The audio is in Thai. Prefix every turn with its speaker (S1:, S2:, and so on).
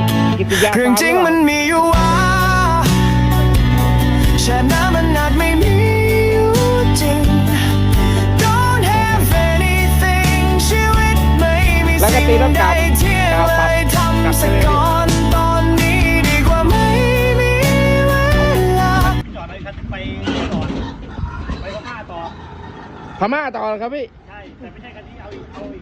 S1: กิติยา
S2: เรื่องจริงมันมีอยู่ว่าแค่น้ำมันอาจไม่มีอยู่จริง Don't have anything ชีวิตไม่มีสิ่งใดที่อะไรทำสักก่อนตอนนี้ดีกว่าไม่มีเวลา
S3: จอดเลยครับไปก่อนไปพม่าต่อ
S1: พม่าต่อครับพี่
S3: ใช่แต่ไม่ใช่คันนี้เอาอีก